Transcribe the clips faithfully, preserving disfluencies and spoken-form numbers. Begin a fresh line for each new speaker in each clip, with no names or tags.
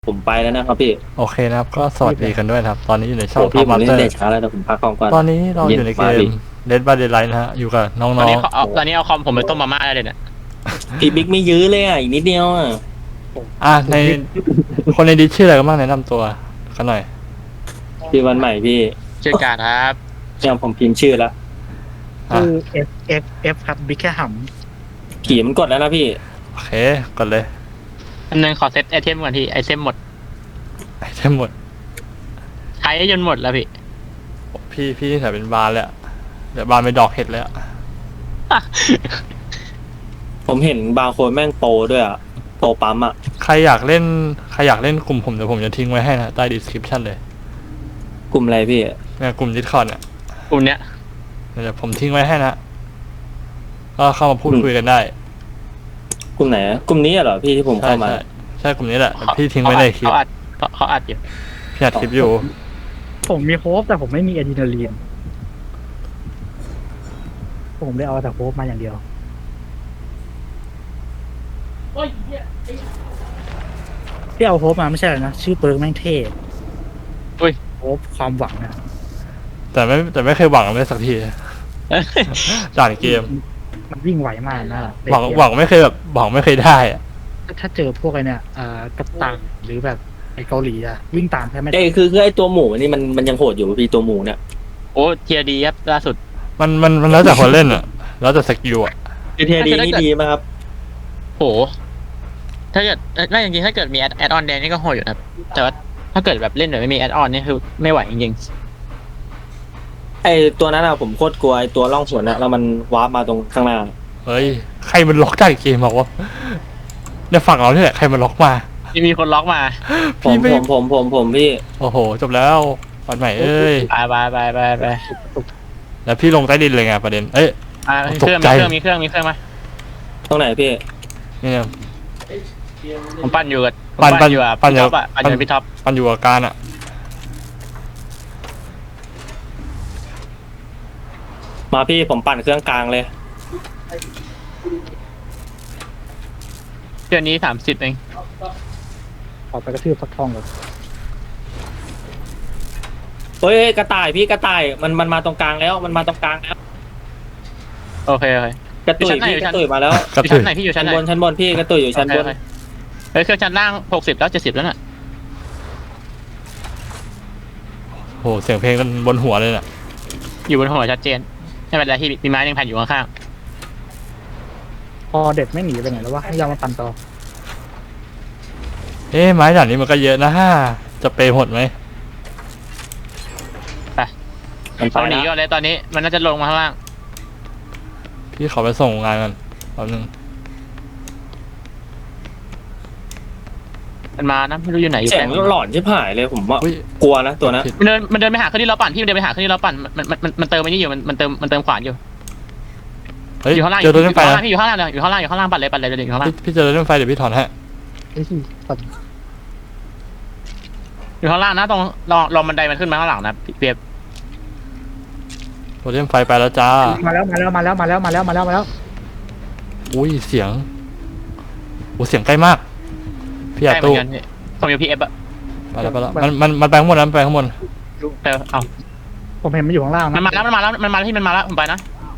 ผมไปแล้วนะครับพี่
โอเคนะครับก็สวัสดีกันด้วยนะครับ ตอนนี้อยู่ในช่อง
โอ้
ท็อ
พี่
ป
ผม
มาส
เล่
เตอน
เด็ก
ร์
ช้าแล้วแต่ผมพักกองก่อน
ตอนนี้เราอยู่ในเก
เย็
ม
นมาพี่
Dead by Daylight นะฮะอยู่กับน้
ตอน
อง
นี้เขาเอาตอนนี้เอาคอมผมไปต้มมาม่าได้เลยเนี่ย
พี่บิ๊กไม่ยื้อเลยอ่ะอีกนิดเดียวอ่ะ
ๆอ่ะในคนในดิสชื่ออะไรกันบ้างแนะนำตัวกันหน่อย
พี่วันใหม่พี่
ชื่อการครับ
ยังผมพิมพ์ชื่อแล้ว
อ่ะ
คือ F F F ครับบิ๊กแค่ห
ผีมันกดแล้วนะพี่
โอเคกดเลย
อันนึงขอเซตไอเทมก่อนที่ไอเทมหมด
ไอเทมหมด
ใช้จนหมดแล้วพี่
พี่พี่ใส่เป็นบาร์เลยอะเดี๋ยวบาร์เป็นดอกเห็ดเลยอะ
ผมเห็นบางคนแม่งโปรด้วยอ่ะโปรปั๊มอ่ะ
ใครอยากเล่นใครอยากเล่นกลุ่มผมเดี๋ยวผมจะทิ้งไว้ให้นะใต้ description เลย
กลุ่มอะไรพี่
เนี่ยกลุ่ม Discord เนี่ย
กลุ่มเนี้ย
เดี๋ยวผมทิ้งไว้ให้นะก็เข้ามาพูดคุยกันได้
กลุ่มไหนอะกลุ่มนี้เหรอพี่ที่ผม
ใช่
เข้ามา
ใช่ใช่กลุ่มนี้แหละเดี๋ยวพี่ทิ้งไว้ในคลิป
เขาอัดเขาเขาอัดอยู่
พี่อัดคลิปอยู่
ำผมมีโฮปแต่ผมไม่มีอะดรีนาลีนผมเลยเอาแต่โฮปมาอย่างเดียวที่เอาโฮปมาไม่ใช่หรอกนะชื่อเปิร์กแม่งเท่
อุ้ย
โฮปความหวังนะ
แต่ไม่แต่ไม่เคยหวังเลยสักทีจากเกม
มันวิ่งไหวมากนะ
หวังหวังไม่เคยแบบหวังไม่เคยได้อะ
ถ้าเจอพวกไอ้เนี่ยเอ่อกัปตันหรือแบบไอ้เกาหลีอะวิ่งตามแค่ไม่ได้
เอ้ยคือคือไอ้ตัวหมูนี่มันมันยังโหดอยู่พี่ตัวหมูเนี่ย
โอ้เทียดีครับล่าสุด
มันมันมันแล้วแต่คนเล่นอะแล้วแต่สกิลอะ
เทียดีนี่ดีไหมครับ
โหถ้าเกิดน่าจริงๆถ้าเกิดมีแอดแอดออนแดงนี่ก็โหดอยู่นะครับแต่ว่าถ้าเกิดแบบเล่นแบบไม่มีแอดออนนี่คือไม่ไหวจริง
ไอ้ตัวนั้นอะผมโคตรกลัวไอ้ตัวล่องสวนอะแล้วมันวาร์ปมาตรงข้างหน้า
เฮ้ยใครมันล็อกจากเกมบอกว่าในฝั่งเราเนี่ยใครมันล็อกมา
ๆมีมีคนล็อกมา
ผม
พี่ไม่
ผมผมผมผมพี่
โอ้โหจบแล้ววันใหม่เอ้ย
ไปไปไปไปไป
แล้วพี่ลงใต้ดินเลยไงประเด็นเอ้ย
อ่ามีเครื่อง
ตกใจ
มีเครื่องมีเครื่องมีเครื่องมา
ตรงไหนพี่
เนี่ย
ผมปั้นอยู่กับผม
ปั้นปั้น
อยู่กับ
ปั้น
พี่
อยู่
ท็อปอะปั้นอยู่กับพี่ท็อป
มันอยู่กับการอะ
มาพี่ผมปั่นเครื่องกลางเลย
เดือนนี้สามสิบเอง
ขอไปกระทืบฟักทองเลย
เฮ้ยกระต่ายพี่กระต่ายมันมันมาตรงกลางแล้วมันมาตรงกลางแล้ว
โอเคโอเค
กระตุย
อยู่
พี่
ชั้นไหน
กระตุยมาแล้ว
กระ
อยู่
ตื
ชั้
อน
ไหนพี่อยู่ชั้
ชั้
น
น
ไหน
บนชั้นบนพี่กระตุยอยู่ชั้นบน
โอเคโอเคเฮ้ยเครื่องชั้นล่างหกสิบแล้วเจ็ดสิบแล้วน่ะ
โหเสียงเพลงกันบนหัวเลยน่ะ
อยู่บนหัวชัดเจนไม่เป็นไรที่มีไม้ยังแผ่นอยู่ข้าง
พอเด็ดไม่หนีไปไหนแล้ววะให้ยามาปั่นต่อ
เอ๊ะไม้ด่านนี้มันก็เยอะนะฮ่าจะเปย์หดไหม
มัน
ๆ
ไป
เขาหนี
แล้ว
ก่อนเลยตอนนี้มันน่าจะลงมาข้างล่าง
พี่ขอไปส่งงานกันแป๊บนึง
มันมานะไม่รู้อยู่ไหนอยู่
เสีย
แป
ง
ลง
หลอนชิบหายเลยผมว่า
อุ้ย
กลัวนะตัวนั้น
ผิด
มันเดินมันเดินไปหาเครื่องที่เราปั่นพี่มันเดินไปหาเครื่องที่เราปั่นมันมันมันมันเติมไอ้นี่อยู่มันมันเติมมันเติมขวานอยู่
เฮ้ย
อยู่ข้างล่าง
เจอรถ
อ
เล่นไฟ
ยู่ข้าง
นะ
ล่างพี่อยู่ข้างล่างเลยอยู่ข้างล่างอยู่ข้างล่างปั่นเลยปั่นเลยเดี๋ยวอยู่ข้างล่าง
พี่พี่เจอรถเล่นไฟเดี๋ยวพี่ถอนให้
ไอ้ที่ปั่น
อยู่ข้างล่างนะตรงรอรอบันไดมันขึ้นมาข้างหลังนะพี่เปียบ
รถเล่นไฟไปแล้วจ้า
มาแล้วมาแล้วมาแล้วมาแล้วมาแล้วมาแล้วมาแล้ว
อุ้ยเสียงโอ้เสียงใกล้มากพี่อา
ใช่เหมื
ตู้
อนกันพี่ผมอยู่พีเอฟอะ
ไปแล้วไปแล้วมันมันมันไปข้างบนนะมันไปข้างบน
แต่เอา
ผมเห็นมันอยู่ข้างล่างนะ
มันมาแล้วมันมาแล้วมันมาแล้วที่มันมาแล้วผมไปนะ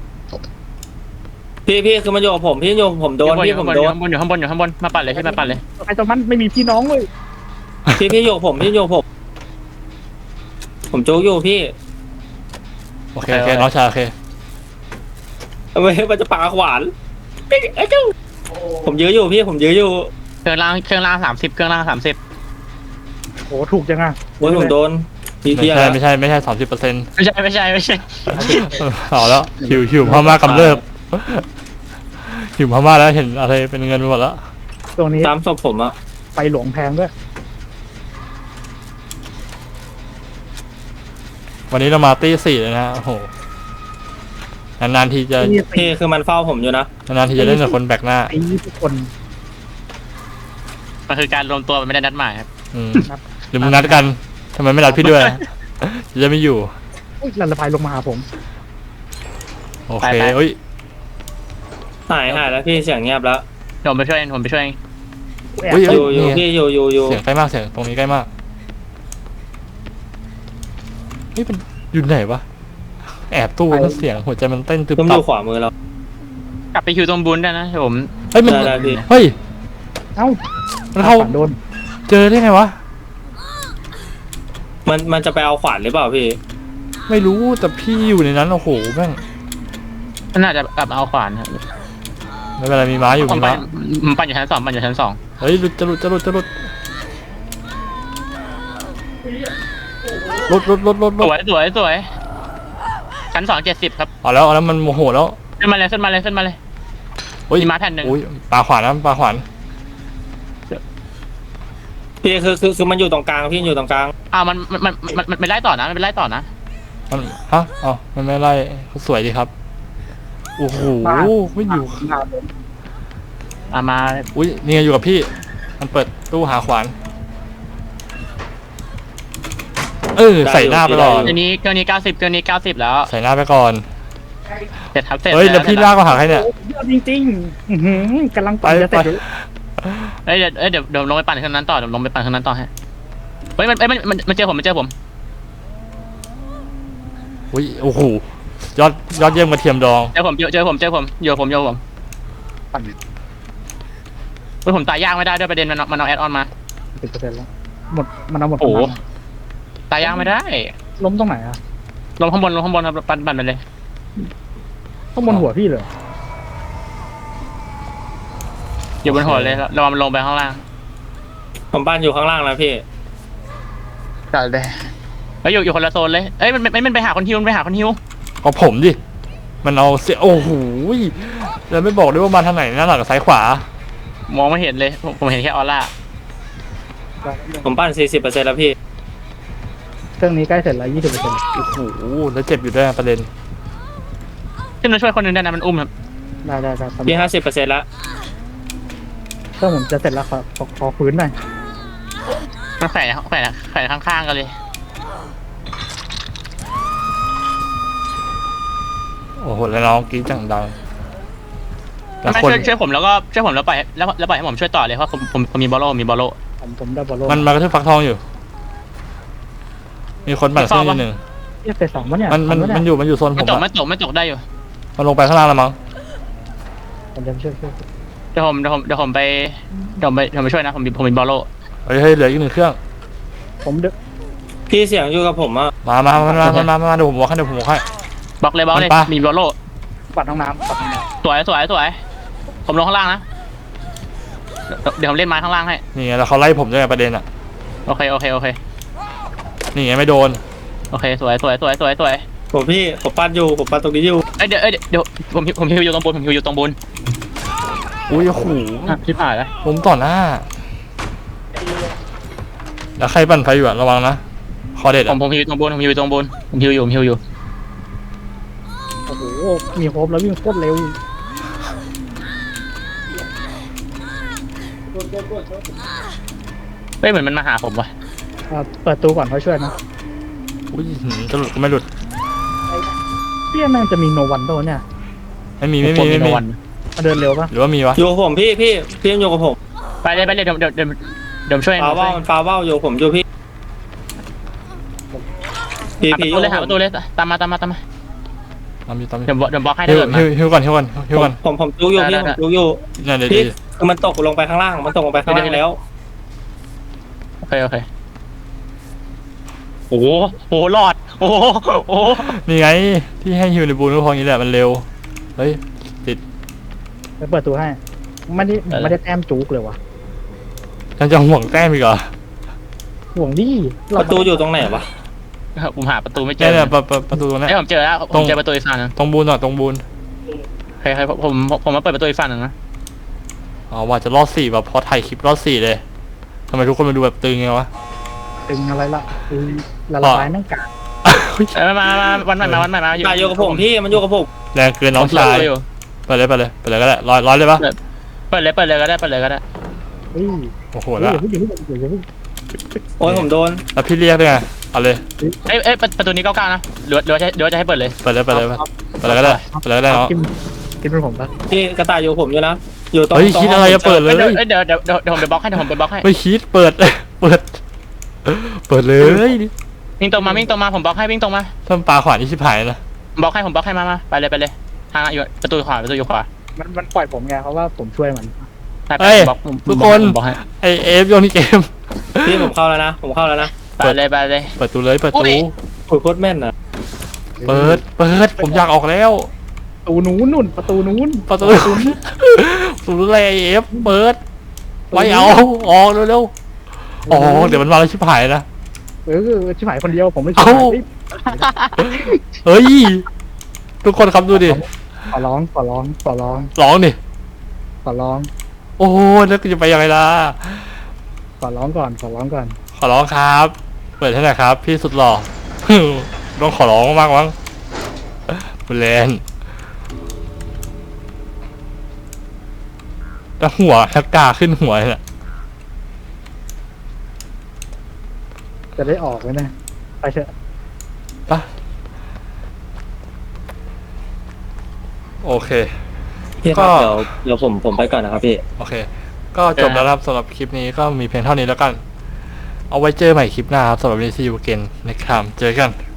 พี่พี่คือมันโยกผมพี่โยกผมโดน
อ
พี่
ยู่
ผ
ข้าง
ม
บน
โด
อยู่
น
ข้างบนอยู่ข้างบนอยู่ข้างบนมาปั่นเลยที่มาปั่นเลย
ไอ้ตรงนั้นไม่มีพี่น้องเลย
พี่พี่โยกผมพี่โยกผม ผมโจ๊กอยู่พี่
โอเคโอเคน้องชายโอเค
ทำไมมันจะปาขวานไอ้เจ้าผมยื้ออยู่พี่ผมยื้ออยู่
เครื่องล่างเครื่องล่างสามสิบเครื่องล่างสามสิบ
โอ้ถูกจังอ่ะ
โอ้ยผมโดนพี่
ไม่
พี่อะ
ใช่
ไร
ไม่ใช่ไม่ใช่สามสิบเปอร์เซ็นต์
ไม่ใช่ไม่ใช่ไม่ใช่
เอาแล้วหิวหิวพม่ากำเริบหิวพม่าแล้วเห็นอะไรเป็นเงินไปหมดแล้ว
ตรงนี้
ตามศพผมอะ
ไฟหลวงแพงด้วย
วันนี้เรามาตีสี่เลยนะฮะโอ้โหนานๆทีจะ
นี่
พี่คือมันเฝ้าผมอยู่นะ
นานๆทีจะเล่นกับคนแบกหน้า
ไอ้ทุกคน
มันคือการรวมตัวมันไม่ได้นัดหมายครับ
อืมหรือมึงนัดกันทำไมไม่นัดพี่ด้วยจะไม่อยู่
อุ้ยลันละพายลงมาหาผม
โอเคเอ้ย
หายหายแล้วพี่เสียงเงียบแล้ว
เดี๋ยวผมไปช่วยเองผมไปช่วยเอง
แอบ
อุ้ย
อ
เอ้ย
ยู่อยู่
นี่ไง
พี่อยู่อยู่อยู่
เสียงใกล้มากเสียงตรงนี้ใกล้มากนี่เป็นอยู่ไหนวะแอบตู้ก็เสียงหัวใจมันเต้นตึบ
ผมอ
ตับ
ยู่ขวามือเรา
กลับไปคิวตรงบุญได้นะผม
เฮ้ยมัน
ได้ได้พี่
เฮ้ย
เอ้า
มันเข้า
ฝันโดน
เจอได้ไงวะ
มันมันจะไปเอาขวานหรือเปล่าพี่
ไม่รู้แต่พี่อยู่ในนั้นโอ้โหแม่ง
มันน่าจะกลับมาเอาขวานครับ
ไม่เป็นไรมีม้าอยู่
ผม
มี
ปั่
ม้าน
ผมปั่นอยู่ชั้นสองปั่นอยู่ชั้นสอง
เฮ้ยหลุดจะหลุดจะหลุดจะหลุดหลุดหลุดหลุดหลุดห
ส
ลุด
วยสวยสวยชั้นสองเจ็ดสิบครับ
เอาแล้วเอาแล้วมันโมโหแล้ว
ขึ้นมาเลยขึ้นมาเลยขึ้นมาเลย
โอ้ย
มีม้าแผ่นหนึ่ง
โอ้ยปลาขวานนะปลาขวาน
พี่คือคือคือมันอยู่ตรงกลางพี่อยู่ตรงกลาง
อ้าวมันมันมันมันมันไปไล่ต่อนะมันไปไล่ต่อนะ
มันฮะอ๋อมันไม่ไล่เขาสวยดีครับโอ้โหไม่อยู่
มาโดน
อ่ะมา
อุ้ยนี่ไงอยู่กับพี่ มันเปิดตู้หาขวานเออใส่หน้าไปก่อน
เกินนี้เกินนี้เก้าสิบเกินนี้เก้าสิบแล้ว
ใส่หน้าไปก่อน
เสร็จครับเสร็จ
เฮ้ยแล้วพี่ลากมาหาใครเนี่ย
โอ้ยอดจริงๆอื้อหือกำลังปั่น
ไป
จะเสร็จอยู่
เอ้ยเดี๋ยวเอ้ยเดี๋ยวเดี๋ยวลงไปปั่นเครื่องนั้นต่อเดี๋ยวลงไปปั่นเครื่องนั้นต่อให้เฮ้ยมันเอ้ยมันมันมันเจอผมมันเจอผม
อุ้ยโอ้โหยอดยอดเยี่ยมกระเทียมดอง
เจอผมเจอเจอผมเจอผมโยผมโยผม
ปั่น
เฮ้ยผมตายยากไม่ได้ด้วยประเด็นมันเอามันเอาแอดออนมา
สิบเปอร์เซ็นต์แล้วหมดมันเอาหมด
โอ้โห
กำลัง
ตายยากไม่ได้
ล้มตรงไหนอะ
ลงข้างบนลงข้างบนครับปั่นปั่นไปเลย
ข้างบนหัวพี่เลย
อยู่บนหัวเลยระวังมันลงไปข้างล่าง
ผมบ้านอยู่ข้างล่างนะพี่
จัดเลยเฮ้ยอยู่อยู่คนละโซนเลยเอ้ยมันมันมันไปหาคนฮิวมันไปหาคนฮิว
ก็ผมดิมันเอาเสียโอ้โหแล้วไม่บอกด้วยว่ามาทางไหนหน้าหลังกับซ้ายขวาม
องไม่เห็นเลยผมผมเห็นแค่ออร่า
ผมบ้านสี่สิบเปอร์เซ็นต์แล้วพี่
เครื่องนี้ใกล้เสร็จแล้วยี่สิบเปอร์เซ็นต์
โอ้โหแล้วเจ็บอยู่ด้วยประเด็น
ขึ้นมาช่วยคนหนึงได้นะมันอุ้มครับ
ได้ได้ได้ครับ
พี่ห้าสิบเปอร์เซ็นต์แล้ว
เครื่องผมจะเสร็จแล้วขอขอขอฟื้นหน่อย
มันแขวนแขวนแขวนข้างๆกันเลย
โอ้โหแล้วน้องกรี๊ดจังดังแล้ว
ไม่
คน
ช่วยช่วยผมแล้วก็ช่วยผมแล้วปล่อยแล้วแล้วปล่อยให้ผมช่วยต่อเลยเพราะผมผมผมมีบอลโลมีบอลโล
ผมผมได้บอลโล
มันมากระทืบฟักทองอยู่ มีคนปั่นเส้นนิดหนึ่ง
เรียกเฟสสองวะเนี่ย
มันมัน
ทัวะ
มันอยู่มันอยู่โซนผ
ไม่
ม
ตก
อะ
ไม่ตกไม่ตกได้อยู่
มันลงไปข้างล่างแล้วมั้ง
ผมจะช่วยช่วย
เดี๋ยวผมเดี๋ยวผมเดี๋ยวผมไปเดี๋ยวผมไปเดี๋ยวผมไปช่วยนะผมมีผมมีบอลโล
เฮ้ยเฮ้ยเหลืออีกหนึ่งเครื่อง
ผมเด
พี่เสียงอยู่กับผมอ่ะ
มามามามามามามาเดี๋ยวผมบอกให้เดี๋ยวผมบอกให้
บล็อกเลยบล็อกเลย
มันปะ
มีบอลโล
ปัดห้องน้ำปัดห้องน้
สวยสวยสวยผมลงข้างล่างนะเดี๋ยวเดี๋ยวผมเล่นไม้ข้างล่างให้
นี่ไงแล้วเขาไล่ผมด้วยไงประเด็นอะ
โอเคโอเคโอเค
นี่ไงไม่โดน
โอเคสวยสวยสวยสวยสวย
ผมพี่ผมปั้นอยู่ผมปั้นตรงนี้อยู่
เอ้ยเดี๋ยวเอ้ยเดี๋ยวผมผมฮิวอยู่ตรงบนผมฮิวอยู่ตรงบน
อุ้ยโอ้โห
อ่ะชิบหายแล้ว
ล้มต่อหน้า แล้วใครปั่นไฟอยู่อะระวังนะคอเด็ด
ผม
อะ
ผมฮิวอยู่ตรงบนผมฮิวอยู่ตรงบนผมฮิวอยู่ผมฮิวอยู่
ำโอ้โหมีโฮปแล้ววิ่งโคตรเร็ว
เฮ้ยเหมือนมันมาหาผมว่ะ
อ่าเปิดตู้ก่อนเขาช่วยนะ
อุ้ยหืมจะหลุดก็ไม่หลุด
เปี้ยแม่งจะมีโนวันโดเนี่ย
ไม่มีไม่มีไม่มี
วัน
มาเดินเร็วปะ
หรือว่ามีวะ
อยู่กับผมพี่พี่พี่ยังอยู่กับผม
ไปเลยไปเลยเดี๋ยวเดี๋ยวเดี๋ยวเดี๋ยวช่วย
ฟาเว่ามันฟาเว่าอยู่ผมอยู่พี่พี่
หาประ
พี่
ตูเลย
อ
หา
ยู่
ประตูเลยตามมาตามมาตามมา
ตามอยู่ตามอยู่
เดี๋ยวเดี๋ยวบล็อกให้
ฮิ
ถ้าว เกิดมา
ฮิวฮิวก่อนฮิวก่อนฮิวก่อน
ผมผมจุกอยู่พี่ผมจุกอยู่
เนี่ยเดี๋ยว
พี่
ดี
คือมันตกลงไปข้างล่างมันตกลงไปข้างล่างแล้ว
โอเคโอเคโอ้โหโอ้โหรอดโอ้โหโอ้โห
นี่ไงที่ให้ฮิวในบูนก็พออย่างนี้แหละมันเร็วเฮ้ยติด
ไปเปิดตู้ให้ไม่ได้ไม่ได้แต้มจุกเลยวะ
ยังจะห่วงแต้มอีกเหรอ
ห่วงดิ
ป
เรา
ระตูอยู่ตรงไหนวะ
ผมหาประตูไม่เจ
เนี่ย
อ
เนี่ยประประประตูตรงเนี้ย
ไอ้ยผมเจอแล้วผมเจอประตูอีกฝั่งหนึง
ตรงบูนอ่ะตรงบูน
โอเคครับผมผมผมมาเปิดประตูอีกฝั่งหนึ่งนะ
อ๋อว่าจะรอดสี่แบบพอถ่ายคลิปรอดสี่เลยทำไมทุกคนมาดูแบบตึงไงวะ
ตึงอะไรล่ะคือละลายนั่งกาก
เอ้ยมามามาวันใหม่มาวันใหม่มา
มาอยู่กับผมพี่มันอยู่กับผม
แรงเกินน้องชาย
อยู่
ไปเลยไปเลยไปเลยก็ได้ร้อยร้อยเลยปะ
เปิดเลยเปิดเลยก็ได้เปิดเลยก็ได้
เฮ้ย
โอ้โห
เฮ้ย
แล้ว
อย่าเพิ่งอย่าเพิ่งอย่าเพิ่ง
โอ้ยผมโดน
แล้วพี่เรียกด้วยไงเอาเลย
เอ้ยเอ้ยประประตูนี้เก้าเก้านะหรือว่าหรือว่าจะหรือว่าจะให้เปิดเลย
ไปเลยไปเลยไปเลยก็ได้ไปเลยก็ได้เนาะ
กินกินเป็นผมปะ
พี่กระต่ายอยู่กับผมอยู่นะอยู่ตรง
เฮ้ย
ตรง
คิดอะไรจะเปิดเลย
เดี๋ยวเดี๋ยวเดี๋ยวเดี๋ยวเดี๋ยวผมไปบล็อกให้เดี๋ยวผมไปบล็อกให้
ไม่คิดเปิด เปิด เปิดเลย
วิ่งตรงมาวิ่งตรงมาผมบล็อกให้วิ่งตรงมา
ถ้ามันปลาขวานนี่ชิบหายนะ
บล็อกให้ผมบล็อกให้มามาไปเลยไปเลยทางอยู่ประตูขวาประตูอยู่ขวา
มันมันปล่อยผมไงเพราะว่าผมช่วยมัน
ไปไป
เฮ้ย
บล็อกผม
ทุกคน
ผมบล็อกให้
ไอเอฟโยนที่เกม
พี่ผมเข้าแล้วนะผมเข้าแล้วนะ
ไปเลยไปเลย
เปิดตูเลยเปิด
อุ๊
ตู
ย
โอ้ยโคตรแม่นอ่ะ
เปิด เปิด ผมอยากออกแล้ว
ประตูนู้นนู่นประตูนู้น
ประตูประตูอะไรไอเอฟเปิด ไม่เอา ออกเร็วๆอ๋อ เดี๋ยวมันมาแล้วชิบหายนะ
เออชิบหายคนเดียวผมไม่ช่
เอ้า
วย
เฮ้ย ทุกคนครับดูดิ
ขอร้องขอร้องขอร้อง
ร้องดิ
ขอร้อง
โอ้โหแล้วกูจะไปยังไงล่ะ
ขอร้องก่อนขอร้องก่อน
ขอร้องครับ เปิดให้หน่อยครับ พี่สุดหล่อ ต้องขอร้องมากมั้งบุเลนแล้วหัวทักกาขึ้นหัวเนี่ย
จะได้ออกไหมเนะไปเถอะ
ปะโอเค
พี่ครับ
ก็
เดี๋ยวเดี๋ยวผมผมไปก่อนนะครับพี่
โอเค ก็จบแล้วครับสำหรับคลิปนี้ก็มีเพียงเท่านี้แล้วกัน เอาไว้เจอใหม่คลิปหน้าครับสำหรับวันนี้ซีอูเกนในครามเจอกัน